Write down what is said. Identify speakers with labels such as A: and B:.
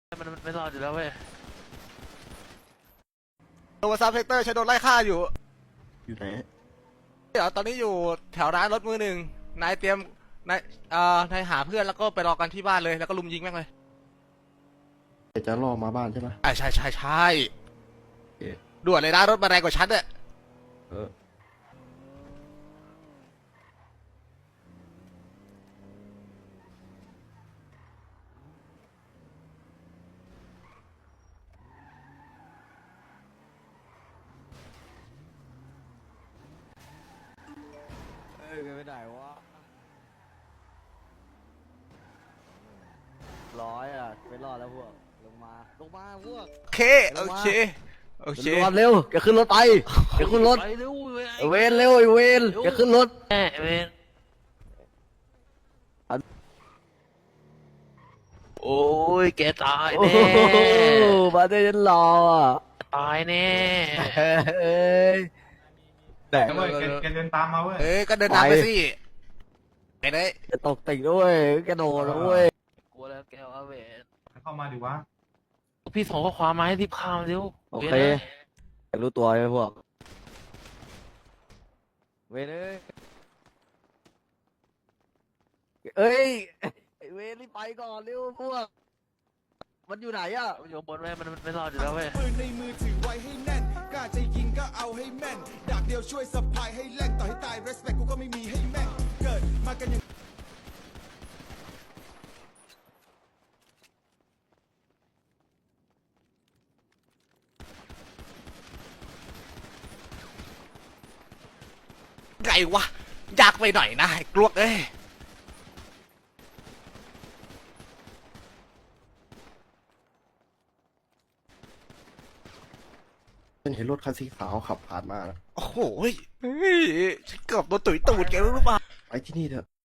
A: มันไม่รอดอยู่แล้วเว้ย
B: โดนซับเซกเตอร์ใช้โดนไล่ฆ่าอยู่
C: อยู่ไหน
B: เดี๋ยวตอนนี้อยู่แถวร้านรถมือหนึ่งนายเตรียมนายนายหาเพื่อนแล้วก็ไปรอกันที่บ้านเลยแล้วก็ลุมยิงแม่งเลย
C: จะล่อมาบ้านใช่ไหม
B: ใช่ใช่ใช่
C: โอเค
B: ด่วนเลยนะรถมาแรงกว่าฉันเนี่ย
C: เออ
D: เอ้ยไปไหนวะร้อยอ่ะไม่รอดแล้วพวกลงมาพวก
B: โอเคโอเคโอเค
D: รวมเร็วแกขึ้นรถไปแกขึ้นรถ
A: ไปเร็ว
D: ไอ้เวนเร็วไอ้เวนแกขึ้นรถ
A: แม่เวนโอ้ยแกตาย
D: โอ้
A: แน่
D: โหมาได้ยันรออ่ะ
A: ตายแน่
D: เอ้ยแต่
E: เว้ยแกเดินตามมาเว้ย
B: ก็เดินทางไปสิไปเลย
D: จะตกติ่งด้วยแกโดนแล้วเว้ย
A: กลัวแล้วแกว่าเวน
E: เข้ามาดิวะ
A: พี่ส่งข้อความมาให้รีบข้ามเร็ว
D: โอเคอยากรู้ตัวไหมพวกเวนเอ้ยไอ้เวนรีบไปก่อนเร็วพวกมันอยู่ไหนอ่ะ
A: อยู่บนเว้ยมันไม่รอดอยู่แล้วเว้ย
F: ปืนในมือถือไว้ให้แน่นกล้าจะยิงก็เอาให้แม่นดาบเดียวช่วยสะพายให้แล่นต่อให้ตาย respect กูก็ไม่มีให้แม่งเกิดมากันอย่าง
B: ไงวะยากไปหน่อยนะไอ้กลวกเอ้ย
C: ฉันเห็นรถคันสีขาวขับผ่านมานะ
B: โอ้โหเฮ้ยฉันเกือบโดนตุ๋ยตูดแกรู้หรือเปล่า
C: ไปที่นี่เถอะ